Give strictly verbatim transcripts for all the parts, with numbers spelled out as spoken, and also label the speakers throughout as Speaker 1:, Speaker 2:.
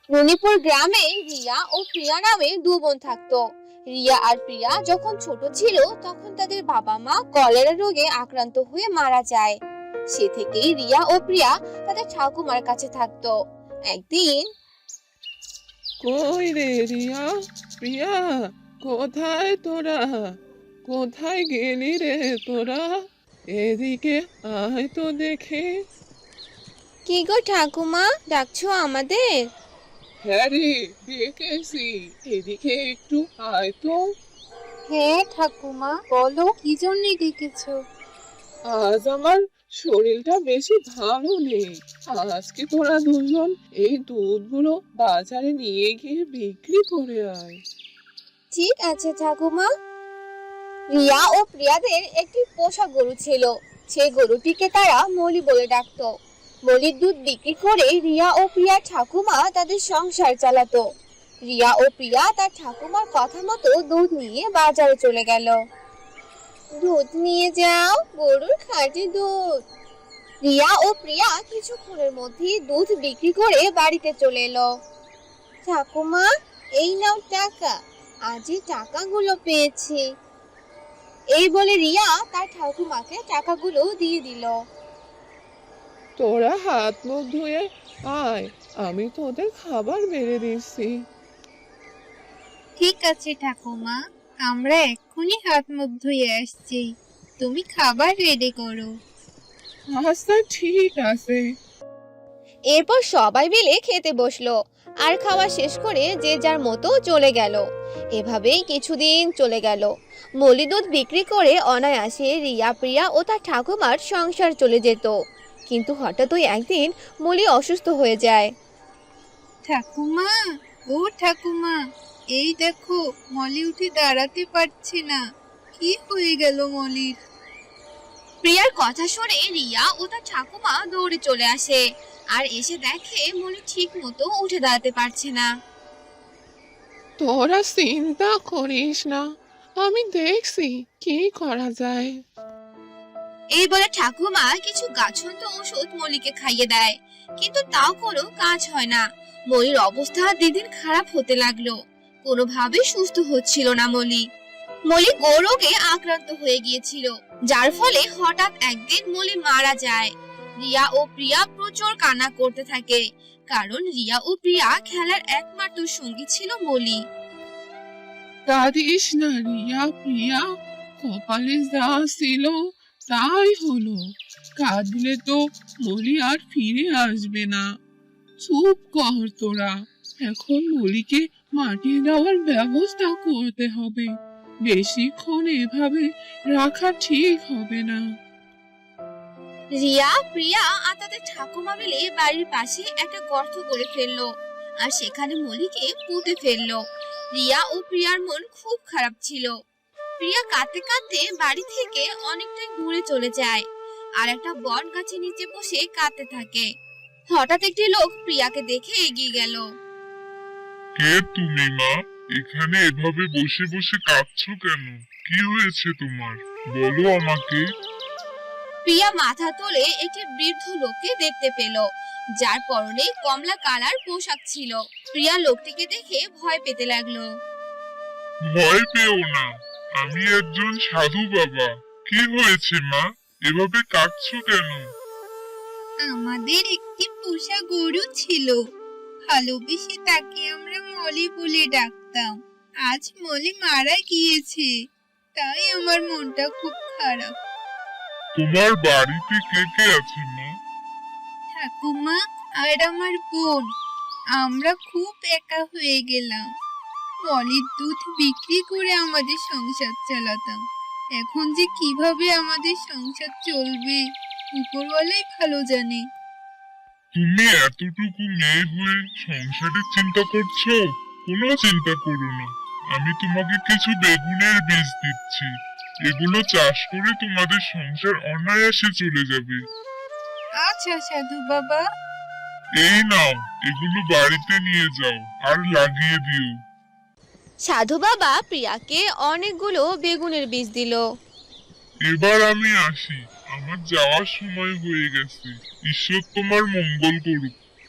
Speaker 1: রনিপুর গ্রামে রিয়া ও প্রিয়া নামে দু বোন থাকতো। রিয়া আর প্রিয়া যখন ছোট ছিল তখন তাদের বাবা মা কলেরা রোগে আক্রান্ত হয়ে মারা যায়। সে থেকেই রিয়া ও প্রিয়া তাদের ঠাকুমার কাছে থাকতো। একদিন,
Speaker 2: কই রে রিয়া, প্রিয়া, কোথায় তোরা? কোথায় গেলি রে তোরা? এদিকে আয় তো দেখে।
Speaker 1: কি গো ঠাকুমা, ডাকছো আমাদের?
Speaker 2: হ্যাঁ রে, ডেকেছি, এদিকে একটু আয় তো।
Speaker 1: হ্যাঁ ঠাকুমা, বলো কি জন্য ডেকেছো?
Speaker 2: আজ আমার শরীরটা বেশি ভালো নেই। আজকে তোরা দুজন এই দুধগুলো বাজারে নিয়ে গিয়ে বিক্রি করে আয়।
Speaker 1: ঠিক আছে ঠাকুমা। রিয়া ও প্রিয়াদের একটি পোষা গরু ছিল। সেই গরুটিকে তারা মলি বলে ডাকতো। মলির দুধ বিক্রি করে রিয়া ও প্রিয়া ঠাকুমা তাদের সংসার চালাতো। রিয়া ও প্রিয়া তার ঠাকুমার কথা মতো দুধ নিয়ে বাজারে চলে গেল। দুধ নিয়ে যাও, গরুর খাঁটি দুধ। রিয়া ও প্রিয়া কিছুক্ষণের মধ্যে দুধ বিক্রি করে বাড়িতে চলে এলো। ঠাকুমা, এই নাও টাকা, আজই টাকাগুলো পেয়েছি। এই বলে রিয়া তার ঠাকুমাকে টাকাগুলো দিয়ে দিল।
Speaker 2: তোরা হাত মুখ ধুয়ে আয়, আমি তোদের খাবার বেড়ে দিচ্ছি।
Speaker 1: ঠিক আছে ঠাকুমা, আমরা এক্ষুনি হাত মুখ ধুয়ে আসছি, তুমি খাবার রেডি করো।
Speaker 2: আচ্ছা ঠিক আছে।
Speaker 1: এরপর সবাই মিলে খেতে বসলো আর খাওয়া শেষ করে যে যার মতো চলে গেল। এভাবেই কিছুদিন চলে গেল। মলি দুধ বিক্রি করে অনায়াসে রিয়া প্রিয়া ও তার ঠাকুমার সংসার চলে যেত। কিন্তু হঠাৎই একদিন মলি অসুস্থ হয়ে যায়। ঠাকুমা, ও ঠাকুমা, এই দেখো মলি উঠে দাঁড়াতে পারছে না, কি হয়ে গেল মলির? প্রিয়ার কথা শুনে রিয়া ও তার ঠাকুমা দৌড়ে চলে আসে আর এসে দেখে মলি ঠিক মতো উঠে দাঁড়াতে পারছে না।
Speaker 2: তোরা চিন্তা করিস না, আমি দেখছি কি করা যায়।
Speaker 1: এই বলে ঠাকুমা কিছু গাছন্ত ঔষধ মলিকে খাইয়ে দেয়, কিন্তু তাও কোনো কাজ হয় না। মলির অবস্থা দিন খারাপ হতে লাগলো, কোনোভাবে সুস্থ হচ্ছিল না মলি। মলি গোরোগে আক্রান্ত হয়ে গিয়েছিল, যার ফলে হঠাৎ একদিন মলি মারা যায়। রিয়া ও প্রিয়া প্রচুর কান্না করতে থাকে, কারণ রিয়া ও প্রিয়া খেলার একমাত্র সঙ্গী ছিল মলি।
Speaker 2: কাঁদিস না রিয়া, প্রিয়া, কপালে যা ছিল তাই হলো। কাঁদলে তো মলি আর ফিরে আসবে না। চুপ কর তোরা, এখন মলিকে মাটি দেওয়ার ব্যবস্থা করতে হবে। বেশিক্ষণ এভাবে রাখা ঠিক হবে না।
Speaker 1: রিয়া প্রিয়া আর তাদের ঠাকুমা মিলে বাড়ির পাশে একটা গর্ত করে ফেললো আর সেখানে মলিকে পুঁতে ফেললো। রিয়া ও প্রিয়ার মন খুব খারাপ ছিল। প্রিয়া কাঁদতে কাঁদতে বাড়ি থেকে অনেকটাই দূরে চলে যায় আর একটা বট গাছের নিচে বসে কাঁদতে থাকে। হঠাৎ একটি লোক প্রিয়াকে দেখে এগিয়ে গেল।
Speaker 3: কে তুমি মা? এখানে এভাবে বসে বসে কাঁদছো কেন? কি হয়েছে তোমার? বলো আমাকে।
Speaker 1: প্রিয়া মাথা তুলে একটি বৃদ্ধ লোককে দেখতে পেল, যার পরনে কমলা কালার পোশাক ছিল। প্রিয়া লোকটিকে দেখে ভয় পেতে লাগলো।
Speaker 3: ভয় পেও না, আমি একজন সাধু বাবা। কি হয়েছে মা? এভাবে কাঁদছো কেন?
Speaker 1: আমাদের একটি পোষা গরু ছিল, ভালোবেসে তাকে আমরা মলি বলে ডাকতাম। আজ মলি মারা গিয়েছে, তাই আমার মনটা খুব খারাপ।
Speaker 3: তোমার বাড়িতে কে কে আছে মা?
Speaker 1: ঠাকুমা আর আমার বোন, আমরা খুব একা হয়ে গেলাম। মলির দুধ বিক্রি করে আমাদের সংসার চালাতাম, এখন যে কিভাবে আমাদের সংসার চলবে উপরওয়ালাই ভালো জানে।
Speaker 3: তুমি এতটুকু মেয়ে হয়ে সংসারের চিন্তা করছো? কোনো চিন্তা করো না, আমি তোমাকে কিছু বেগুনের বীজ দিচ্ছি। এগুলো চাষ করে তোমাদের সংসার অনায়াসে চলে যাবে।
Speaker 1: আচ্ছা সাধু বাবা।
Speaker 3: এই নাও, এগুলো বাড়িতে নিয়ে যাও আর লাগিয়ে দিও।
Speaker 1: সাধু বাবা প্রিয়াকে অনেকগুলো বেগুনের বীজ দিল।
Speaker 3: এবার আমি আসি, আমার যাওয়ার সময় হয়ে গেছে। ঈশ্বর তোমার মঙ্গল করুক।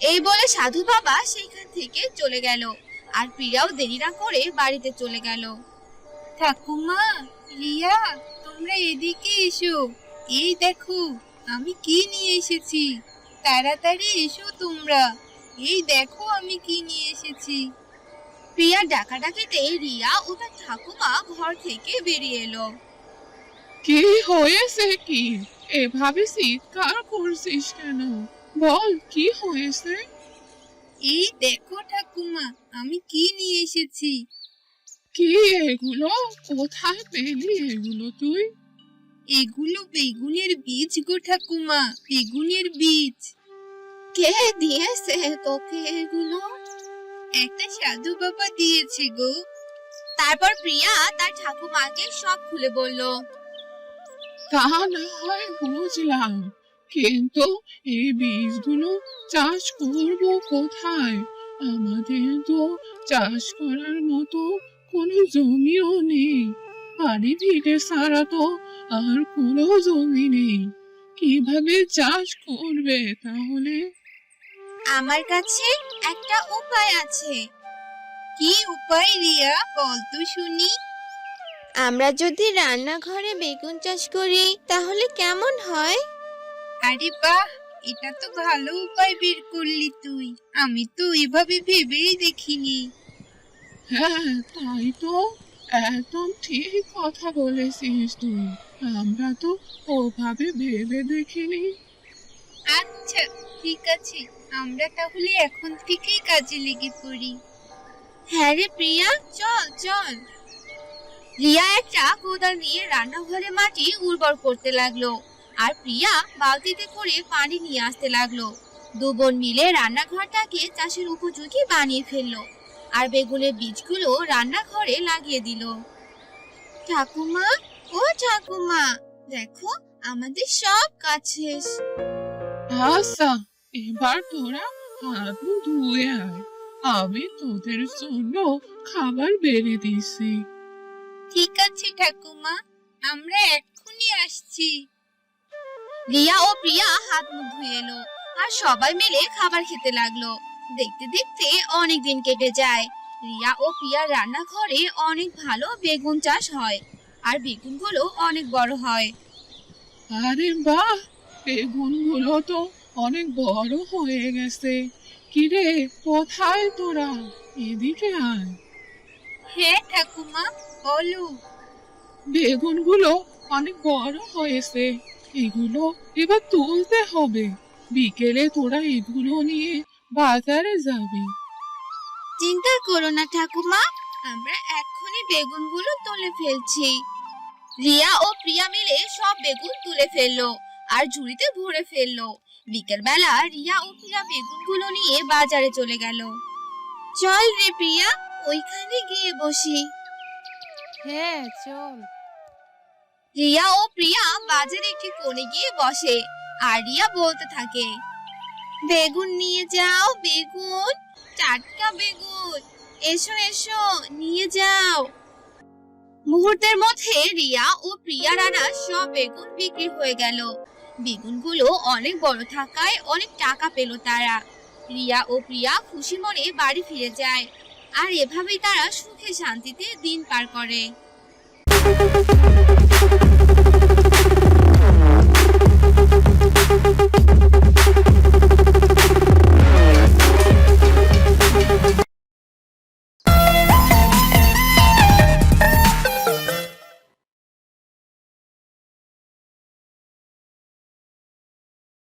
Speaker 1: এই বলে সাধু বাবা সেইখান থেকে চলে গেল। আর প্রিয়াও দেরি না করে বাড়িতে চলে গেল।
Speaker 4: ঠাকুমা, রিয়া, তোমরা এদিকে এসো। এই দেখো আমি কি নিয়ে এসেছি। তাড়াতাড়ি এসো তোমরা। এই দেখো আমি কি নিয়ে এসেছি।
Speaker 1: প্রিয়া ডাকাডাকিতে রিয়া ও তার ঠাকুমা ঘর থেকে বেরিয়ে এলো।
Speaker 2: কি হয়েছে কি? এভাবে চিৎকার করছিস কেন? বল কি হয়েছে?
Speaker 4: এই দেখো ঠাকুমা আমি কি নিয়ে এসেছি।
Speaker 2: কি এগুলো? কোথায় পেলি এগুলো তুই?
Speaker 4: এগুলো বেগুনের বীজ গো ঠাকুমা, বেগুনের বীজ।
Speaker 1: কে দিয়েছে তোকে এগুলো?
Speaker 4: একটা সাধু বাবা দিয়েছে গো।
Speaker 1: তারপর প্রিয়া তার ঠাকুমাকে সব খুলে বলল।
Speaker 2: তা না হয় বুঝলাম, কিন্তু এই বীজগুলো চাষ করব কোথায়? আমাদের তো চাষ করার মতো কোনো জমিও নেই। বাড়ি ভিটে ছাড়া তো আর কোনো জমি নেই। কিভাবে চাষ করবে তাহলে?
Speaker 1: আমার কাছে একটা উপায় আছে।
Speaker 4: কি উপায় রিয়া, বল তো শুনি।
Speaker 1: আমরা যদি রান্নাঘরে বেগুন চাষ করি তাহলে কেমন হয়?
Speaker 4: আরে বাহ, এটা তো ভালো উপায় বের করলি তুই। আমি তো এভাবে ভেবেই দেখিনি।
Speaker 2: হ্যাঁ তাই তো, একদম ঠিক কথা বলেছিস তুই। আমরা তো ওভাবে ভেবে দেখিনি।
Speaker 4: আচ্ছা ঠিক আছে, আমরা তাহলে এখন থেকেই কাজে লেগে পড়ি।
Speaker 1: হ্যাঁ রে প্রিয়া, চল চল। রিয়া একটা কোদাল নিয়ে রান্নাঘরে মাটি উর্বর করতে লাগলো, আর প্রিয়া বালতিতে করে পানি নিয়ে আসতে লাগলো। দু বোন মিলে রান্নাঘরটাকে চাষের উপযোগী বানিয়ে ফেললো, আর বেগুনের বীজগুলো রান্নাঘরে লাগিয়ে দিল। ঠাকুমা, ও ঠাকুমা, দেখো আমাদের সব কাজ শেষ।
Speaker 2: আচ্ছা, এবার তোরা হাত মুখ ধুয়ে আয়। আমি তোদের জন্য খাবার বেড়ে দিছি।
Speaker 4: ঠিক আছে ঠাকুমা, আমরা এক্ষুনি আসছি।
Speaker 1: রিয়া ও প্রিয়া হাত মুখ ধুয়ে এলো, আর সবাই মিলে খাবার খেতে লাগলো। দেখতে দেখতে অনেক দিন কেটে যায়। রিয়া ও প্রিয়ার রান্নাঘরে অনেক ভালো বেগুন চাষ হয়, আর বেগুনগুলো অনেক বড় হয়।
Speaker 2: আরে বাহ, বেগুনগুলো তো অনেক বড় হয়ে গেছে। কিরে, কোথায় তোরা? এদিকে আয়।
Speaker 4: হ্যাঁ ঠাকুমা, বলো।
Speaker 2: বেগুনগুলো অনেক বড় হয়েছে, এগুলো এবার তুলতে হবে। বিকেলে তোরা এগুলো নিয়ে বাজারে যাবি।
Speaker 1: চিন্তা করো না ঠাকুমা, আমরা এক্ষুনি বেগুনগুলো তুলে ফেলছি। রিয়া ও প্রিয়া মিলে সব বেগুন তুলে ফেললো আর ঝুড়িতে ভরে ফেললো। বিকেল বেলা রিয়া ও প্রিয়া বেগুনগুলো নিয়ে বাজারে চলে গেল। চল রে প্রিয়া, ওইখানে গিয়ে বসি।
Speaker 4: হ্যাঁ চল।
Speaker 1: রিয়া ও প্রিয়া বাজারে একটি কোণে গিয়ে বসে, আর রিয়া বলতে থাকে, বেগুন নিয়ে যাও, বেগুন, টাটকা বেগুন, এসো এসো নিয়ে যাও। মুহূর্তের মধ্যে রিয়া ও প্রিয়া রানা সব বেগুন বিক্রি হয়ে গেল। বেগুনগুলো অনেক বড় থাকায় অনেক টাকা পেল তারা। রিয়া ও প্রিয়া খুশি মনে বাড়ি ফিরে যায়, আর এভাবেই তারা সুখে শান্তিতে দিন পার করে।